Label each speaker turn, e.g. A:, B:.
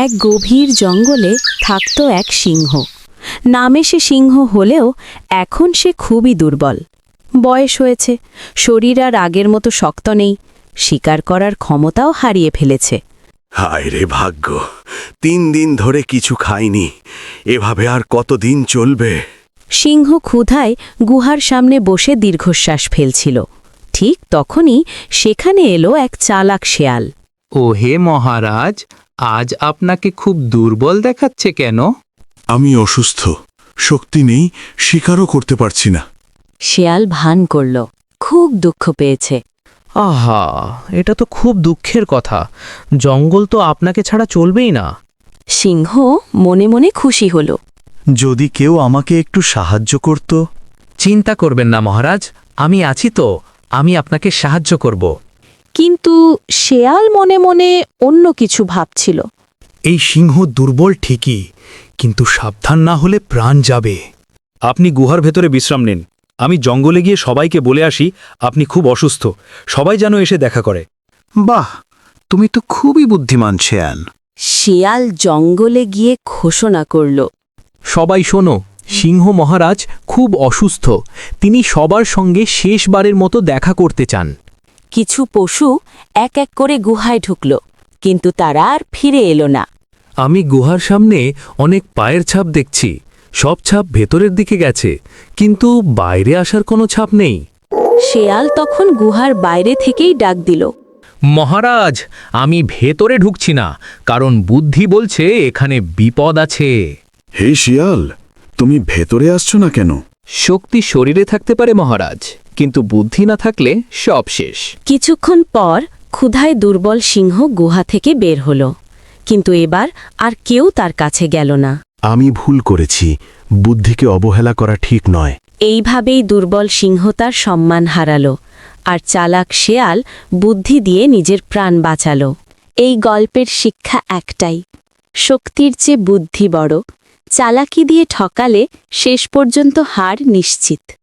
A: এক গভীর জঙ্গলে থাকত এক সিংহ। নামে সে সিংহ হলেও এখন সে খুবই দুর্বল। বয়স হয়েছে, শরীর আর আগের মতো শক্ত নেই, শিকার করার ক্ষমতাও হারিয়ে ফেলেছে।
B: হায় রে ভাগ্য, 3 দিন ধরে কিছু খাইনি, এভাবে আর কতদিন চলবে?
A: সিংহ ক্ষুধায় গুহার সামনে বসে দীর্ঘশ্বাস ফেলছিল। ঠিক তখনই সেখানে এলো এক চালাক শেয়াল।
C: ও হে মহারাজ, আজ আপনাকে খুব দুর্বল দেখাচ্ছে কেন?
B: আমি অসুস্থ, শক্তি নেই, শিকারও করতে পারছি না।
A: শেয়াল ভান করল, খুব দুঃখ পেয়েছে।
D: আহা, এটা তো খুব দুঃখের কথা। জঙ্গল তো আপনাকে ছাড়া চলবেই না।
A: সিংহ মনে মনে খুশি হল।
B: যদি কেউ আমাকে একটু সাহায্য করত।
D: চিন্তা করবেন না মহারাজ, আমি আছি তো, আমি আপনাকে সাহায্য করব।
A: কিন্তু শেয়াল মনে মনে অন্য কিছু ভাবছিল।
E: এই সিংহ দুর্বল ঠিকই, কিন্তু সাবধান না হলে প্রাণ যাবে। আপনি গুহার ভেতরে বিশ্রাম নিন, আমি জঙ্গলে গিয়ে সবাইকে বলে আসি আপনি খুব অসুস্থ, সবাই যেন এসে দেখা করে।
B: বাহ, তুমি তো খুবই বুদ্ধিমান শেয়াল।
A: শেয়াল জঙ্গলে গিয়ে ঘোষণা করল,
D: সবাই শোনো, সিংহ মহারাজ খুব অসুস্থ, তিনি সবার সঙ্গে শেষবারের মতো দেখা করতে চান।
A: কিছু পশু এক এক করে গুহায় ঢুকল, কিন্তু তারা আর ফিরে এলো না।
D: আমি গুহার সামনে অনেক পায়ের ছাপ দেখছি, সব ছাপ ভেতরের দিকে গেছে, কিন্তু বাইরে আসার কোনো ছাপ নেই।
A: শেয়াল তখন গুহার বাইরে থেকেই ডাক দিল,
D: মহারাজ, আমি ভেতরে ঢুকছি না, কারণ বুদ্ধি বলছে এখানে বিপদ আছে।
B: হে শিয়াল, তুমি ভেতরে আসছো না কেন?
D: শক্তি শরীরে থাকতে পারে মহারাজ, কিন্তু বুদ্ধি না থাকলে সব শেষ।
A: কিছুক্ষণ পর ক্ষুধায় দুর্বল সিংহ গুহা থেকে বের হল, কিন্তু এবার আর কেউ তার কাছে গেল না।
B: আমি ভুল করেছি, বুদ্ধিকে অবহেলা করা ঠিক নয়।
A: এইভাবেই দুর্বল সিংহ তার সম্মান হারালো, আর চালাক শেয়াল বুদ্ধি দিয়ে নিজের প্রাণ বাঁচালো। এই গল্পের শিক্ষা একটাই, শক্তির চেয়ে বুদ্ধি বড়, চালাকি দিয়ে ঠকালে শেষ পর্যন্ত হার নিশ্চিত।